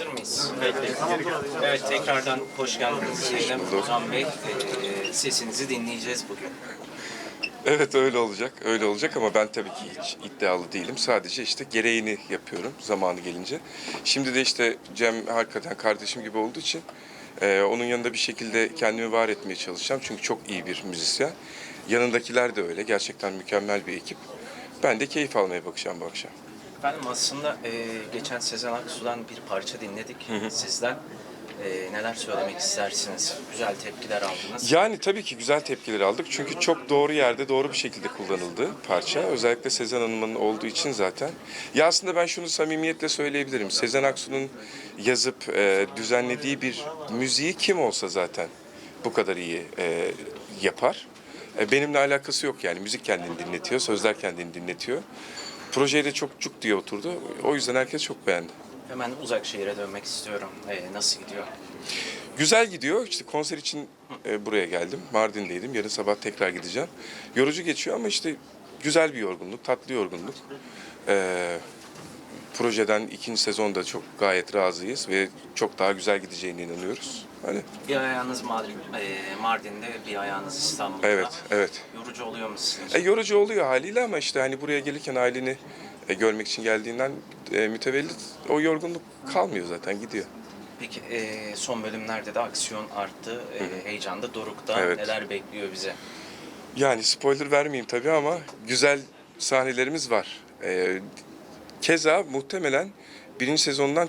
Hazır mıyız? Peki. Evet, tekrardan hoş geldiniz diyelim. Ozan Bey, sesinizi dinleyeceğiz bugün. Evet öyle olacak, öyle olacak ama ben tabii ki hiç iddialı değilim. Sadece işte gereğini yapıyorum zamanı gelince. Şimdi de işte Cem hakikaten kardeşim gibi olduğu için onun yanında bir şekilde kendimi var etmeye çalışacağım. Çünkü çok iyi bir müzisyen. Yanındakiler de öyle. Gerçekten mükemmel bir ekip. Ben de keyif almaya bakacağım bu akşam. Efendim aslında geçen Sezen Aksu'dan bir parça dinledik sizden. Neler söylemek istersiniz? Güzel tepkiler aldınız. Yani tabii ki güzel tepkiler aldık. Çünkü çok doğru yerde doğru bir şekilde kullanıldı parça. Özellikle Sezen Hanım'ın olduğu için zaten. Ya aslında ben şunu samimiyetle söyleyebilirim. Sezen Aksu'nun yazıp düzenlediği bir müziği kim olsa zaten bu kadar iyi yapar. Benimle alakası yok yani. Müzik kendini dinletiyor, sözler kendini dinletiyor. Projeye de çok cuk diye oturdu. O yüzden herkes çok beğendi. Hemen uzak şehire dönmek istiyorum. Nasıl gidiyor? Güzel gidiyor. İşte konser için buraya geldim. Mardin'deydim. Yarın sabah tekrar gideceğim. Yorucu geçiyor ama işte güzel bir yorgunluk, tatlı yorgunluk. Projeden ikinci sezonda çok gayet razıyız ve çok daha güzel gideceğine inanıyoruz. Öyle. Bir ayağınız Mardin'de, bir ayağınız İstanbul'da. Evet, evet. Yorucu oluyor mu sizin için? Yorucu oluyor haliyle ama işte hani buraya gelirken aileni görmek için geldiğinden mütevellit o yorgunluk kalmıyor zaten gidiyor. Peki son bölümlerde de aksiyon arttı, heyecan da dorukta. Evet. Neler bekliyor bize? Yani spoiler vermeyeyim tabii ama güzel sahnelerimiz var. Keza muhtemelen birinci sezondan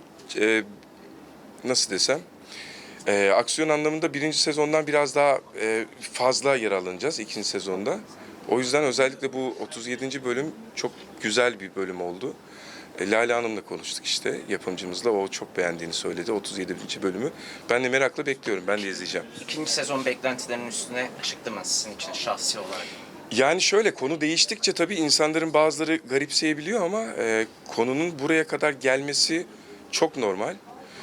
nasıl desem aksiyon anlamında birinci sezondan biraz daha fazla yer alınacağız ikinci sezonda. O yüzden özellikle bu 37. bölüm çok güzel bir bölüm oldu. Lale Hanım'la konuştuk işte yapımcımızla. O çok beğendiğini söyledi 37. bölümü. Ben de merakla bekliyorum. Ben de izleyeceğim. İkinci sezon beklentilerinin üstüne çıktı mı sizin için şahsi olarak? Yani şöyle konu değiştikçe tabii insanların bazıları garipseyebiliyor ama konunun buraya kadar gelmesi çok normal.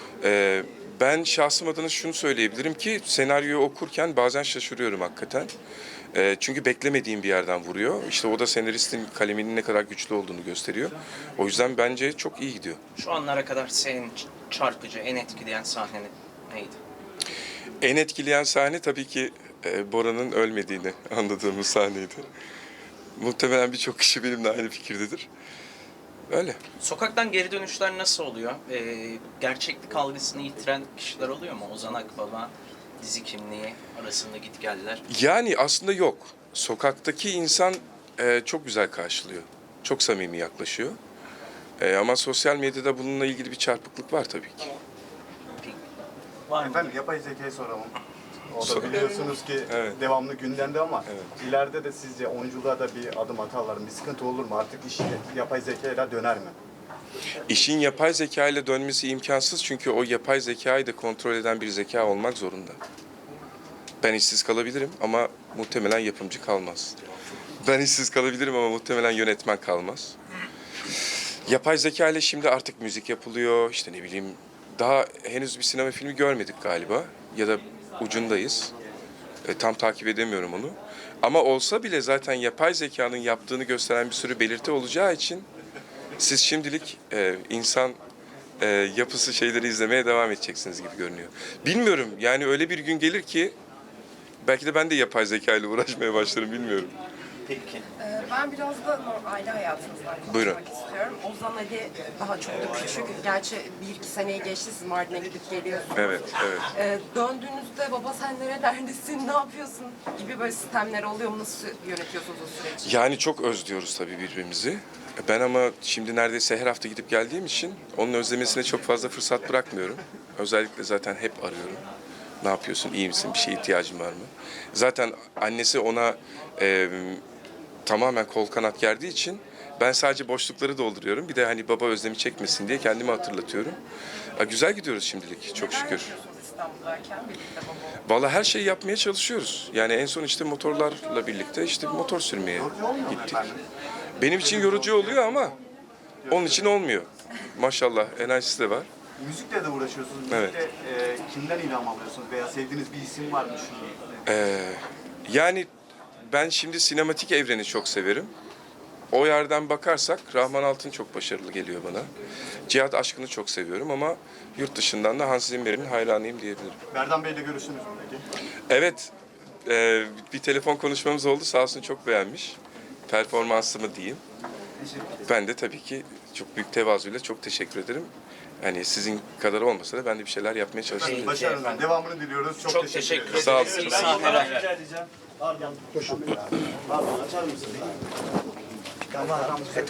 Ben şahsım adına şunu söyleyebilirim ki senaryoyu okurken bazen şaşırıyorum hakikaten. Çünkü beklemediğim bir yerden vuruyor. İşte o da senaristin kaleminin ne kadar güçlü olduğunu gösteriyor. O yüzden bence çok iyi gidiyor. Şu anlara kadar senin çarpıcı, en etkileyen sahne neydi? En etkileyen sahne tabii ki Bora'nın ölmediğini anladığımız sahneydi. Muhtemelen birçok kişi benimle aynı fikirdedir. Öyle. Sokaktan geri dönüşler nasıl oluyor? Gerçeklik algısını yitiren kişiler oluyor mu? Ozan Akbaba, dizi kimliği arasında gitgeller. Yani aslında yok. Sokaktaki insan çok güzel karşılıyor. Çok samimi yaklaşıyor. Ama sosyal medyada bununla ilgili bir çarpıklık var tabii ki. Var mı? Efendim yapay zekayı soralım. O da biliyorsunuz ki Evet. devamlı gündemde ama Evet. ileride de sizce oyunculuğa da bir adım atarlar mı? Bir sıkıntı olur mu? Artık iş yapay zekayla döner mi? İşin yapay zeka ile dönmesi imkansız çünkü o yapay zekayı da kontrol eden bir zeka olmak zorunda. Ben işsiz kalabilirim ama muhtemelen yapımcı kalmaz. Ben işsiz kalabilirim ama muhtemelen yönetmen kalmaz. Yapay zeka ile şimdi artık müzik yapılıyor, işte ne bileyim daha henüz bir sinema filmi görmedik galiba ya da ucundayız. Tam takip edemiyorum onu. Ama olsa bile zaten yapay zekanın yaptığını gösteren bir sürü belirti olacağı için siz şimdilik insan yapısı şeyleri izlemeye devam edeceksiniz gibi görünüyor. Bilmiyorum yani öyle bir gün gelir ki belki de ben de yapay zeka ile uğraşmaya başlarım bilmiyorum. Peki. Ben biraz da aile hayatınızdan konuşmak Buyurun. istiyorum. Ozan Ali daha çok da küçük. Gerçi 1-2 seneyi geçti, siz Mardin'e gidip geliyorsunuz. Evet, evet. Döndüğünüzde baba sen nerelerdesin, ne yapıyorsun gibi böyle sistemler oluyor mu? Nasıl yönetiyorsunuz o süreci? Yani çok özlüyoruz tabii birbirimizi. Ben ama şimdi neredeyse her hafta gidip geldiğim için onun özlemesine çok fazla fırsat bırakmıyorum. Özellikle zaten hep arıyorum. Ne yapıyorsun, iyi misin, bir şeye ihtiyacın var mı? Zaten annesi ona tamamen kol kanat gerdiği için ben sadece boşlukları dolduruyorum. Bir de hani baba özlemi çekmesin diye kendimi hatırlatıyorum. Güzel gidiyoruz şimdilik çok Neler şükür. yapıyorsunuz İstanbul'dayken birlikte baba? Vallahi her şeyi yapmaya çalışıyoruz. Yani en son işte motorlarla birlikte işte motor sürmeye gittik. Benim için yorucu oluyor ama onun için olmuyor. Maşallah enerjisi de var. Müzikle de uğraşıyorsunuz. Evet. Müzikle kimden ilham alıyorsunuz? Veya sevdiğiniz bir isim var mı şu? Yani ben şimdi sinematik evreni çok severim. o yerden bakarsak Rahman Altın çok başarılı geliyor bana. Cihat Aşkın'ı çok seviyorum ama yurt dışından da Hans Zimmer'in hayranıyım diyebilirim. Berdan Bey'le görüştünüz mü peki? Evet, bir telefon konuşmamız oldu. Sağ olsun çok beğenmiş. Performansımı diyeyim. Ben de tabii ki çok büyük tevazuyla çok teşekkür ederim. Hani sizin kadar olmasa da ben de bir şeyler yapmaya çalıştım. Başarılar. Devamını diliyoruz. Çok teşekkür ederiz. Sağ olun. İyi sahneler. Rica edeceğim. Pardon. Pardon açar mısın? Tamam.